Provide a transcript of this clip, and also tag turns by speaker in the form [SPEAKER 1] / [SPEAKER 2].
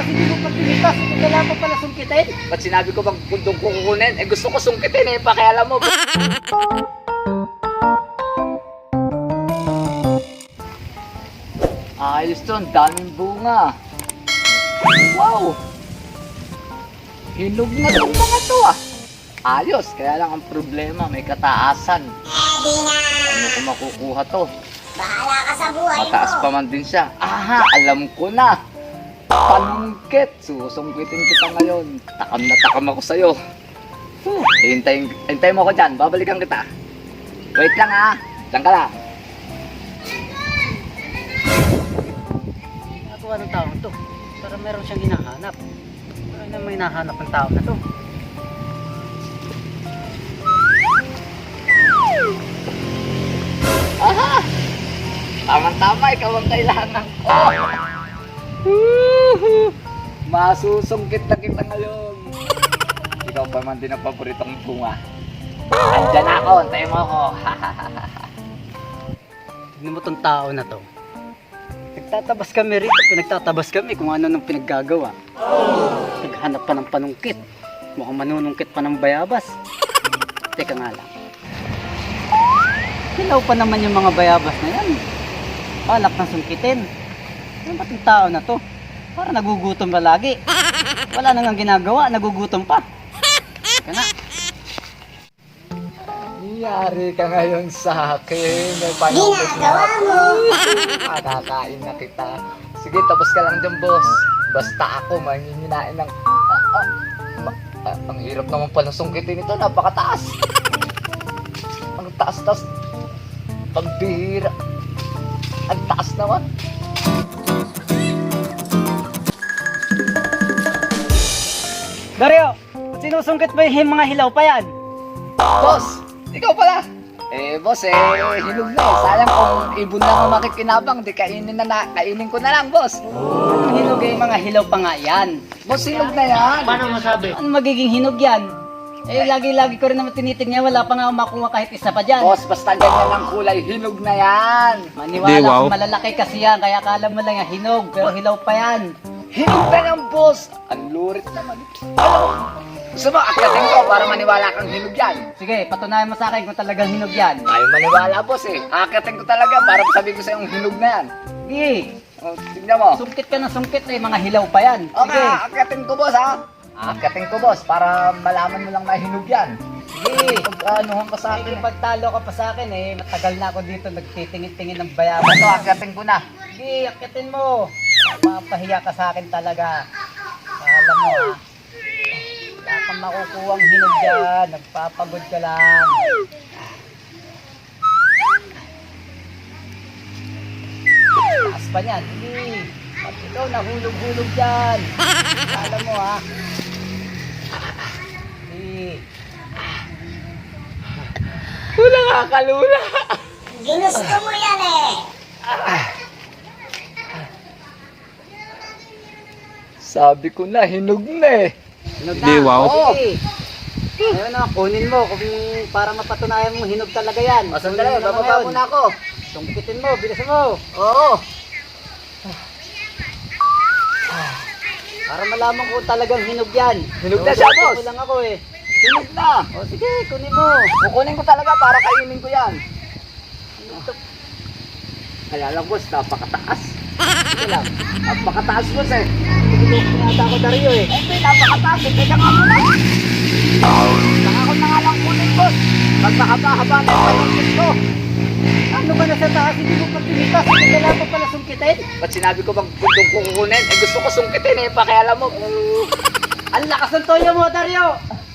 [SPEAKER 1] hindi mo pa tinitas. Hindi kailangan mo pala sungkitin.
[SPEAKER 2] Ba't sinabi ko bang kundong ko kukunin? Eh gusto ko sungkitin eh, pakialam mo. Ayos to, ang daming bunga. Wow! Hinog na itong mga to ah. Ayos, kaya lang ang problema, may kataasan. Ano ko makukuha to?
[SPEAKER 3] Bahala ka sa buhay
[SPEAKER 2] Mataas
[SPEAKER 3] mo.
[SPEAKER 2] pa man din siya. Aha, alam ko na. Panungkit. Susungkitin kita ngayon. Takam na takam ako sa'yo. Hintayin mo ako dyan. Babalikan kita. Wait lang ha. Diyan ka lang.
[SPEAKER 1] Nagawa ng tao to. Para meron siyang hinahanap. Ano na may hinahanap ng tao na to?
[SPEAKER 2] Aha! Tama-tama, ikaw ang kailangan ko. Masusungkit na kita ngayon. Ikaw pa man din ang paboritong bunga. Andyan ako, antayin mo ako.
[SPEAKER 1] Tignan mo tong tao na to. Nagtatabas kami rito, pinagtatabas kami kung ano nang pinaggagawa. Naghanap pa ng panungkit. Mukhang manunungkit pa ng bayabas. Teka nga lang. Hilaw pa naman yung mga bayabas na yan. Balak ng sungkitin. Ano ba itong tao na to? Para nagugutom ba lagi? Wala nang ang ginagawa, nagugutom pa. Teka na.
[SPEAKER 2] Yari ka ngayon sa akin. May panungkit na
[SPEAKER 3] Ginagawa mo.
[SPEAKER 2] Makakain na kita. Sige, tapos ka lang dyan, boss. Basta ako, manginginain ng... ang hirap naman pala sungkitin ito. Napakataas. Ang taas-taas. Pambihira. Ang taas naman.
[SPEAKER 1] Dario, sinusungkit ba yung mga hilaw pa yan?
[SPEAKER 2] Boss, ikaw pala. Eh, boss, hinog na eh. Sayang kung ibon lang ang makikinabang. Di kainin ko na lang, boss.
[SPEAKER 1] Anong hinog yung mga hilaw pa nga yan?
[SPEAKER 2] Boss, hinog na yan.
[SPEAKER 1] Ano magiging hinog yan? Eh, lagi-lagi ko rin naman tinitignan, wala pa nga makuha kahit isa pa dyan.
[SPEAKER 2] Boss, basta ganyan ang kulay, hinog na yan.
[SPEAKER 1] Maniwala kung malalaki kasi yan, kaya akala mo lang yan hinog, pero hilaw pa yan.
[SPEAKER 2] Hinog na yan, boss. Ang lurit naman. Ano? Gusto mo, akyatin ko para maniwala kang hinog yan.
[SPEAKER 1] Sige, patunayan mo sa akin kung talagang hinog yan.
[SPEAKER 2] Ayaw maniwala, boss eh. Akyatin ko talaga para sabihin ko sa'yo yung hinog na yan.
[SPEAKER 1] Sige,
[SPEAKER 2] O, tignan mo.
[SPEAKER 1] sungkit ka ng sungkit eh, mga hilaw pa yan.
[SPEAKER 2] Okay,
[SPEAKER 1] Sige,
[SPEAKER 2] akyatin ko, boss ha. Akyatin ko, boss, para malaman mo lang na hinog yan.
[SPEAKER 1] sige.
[SPEAKER 2] Pag-anuhan ka sa akin.
[SPEAKER 1] Pagtalo ka pa sa akin eh, matagal na ako dito nagtitingin-tingin ng bayabas.
[SPEAKER 2] Ito, akyatin ko na.
[SPEAKER 1] Sige, akitin mo. Mapahiya ka sa akin talaga. Alam mo ha. Wala kang makukuhang hinog dyan. Nagpapagod ka lang. Taas pa niyan. Sige. Pag ikaw nahulog-hulog dyan. Alam mo ha. Sige.
[SPEAKER 2] Wala kakalula.
[SPEAKER 3] Ginusto mo yan eh.
[SPEAKER 2] Sabi ko na, hinog na eh.
[SPEAKER 1] Hinog na.
[SPEAKER 4] Di, wow.
[SPEAKER 1] Sige. Ngayon na, kunin mo kung para mapatunayan mo hinog talaga yan.
[SPEAKER 2] O, sandali,
[SPEAKER 1] Kunin mo
[SPEAKER 2] bababa
[SPEAKER 1] ngayon.
[SPEAKER 2] muna ako.
[SPEAKER 1] Sungkitin mo, bilisan mo.
[SPEAKER 2] Oo.
[SPEAKER 1] Para malaman ko talagang hinog yan.
[SPEAKER 2] Hinog na siya, boss.
[SPEAKER 1] Ko lang ako eh.
[SPEAKER 2] Hinog na.
[SPEAKER 1] O sige, kunin mo.
[SPEAKER 2] Kukunin ko talaga para kainin ko yan. Kaya lang, boss, napakataas.
[SPEAKER 1] Sige lang.
[SPEAKER 2] Napakataas, boss eh.
[SPEAKER 1] Pinata ako Dario eh.
[SPEAKER 2] Hindi, napakataas eh. Teka nga muna. Saka ko na nga lang kunin, boss. Pag mahaba-haba na yung panungkit ko.
[SPEAKER 1] Ano ba nasa taas? Hindi mo pa tinitas. Hindi kailangan mo pala sungkitin.
[SPEAKER 2] Ba't sinabi ko bang kundong ko kukunin? Eh gusto ko sungkitin eh, pakialam mo.
[SPEAKER 1] Ang lakas ng toyo mo, Dario.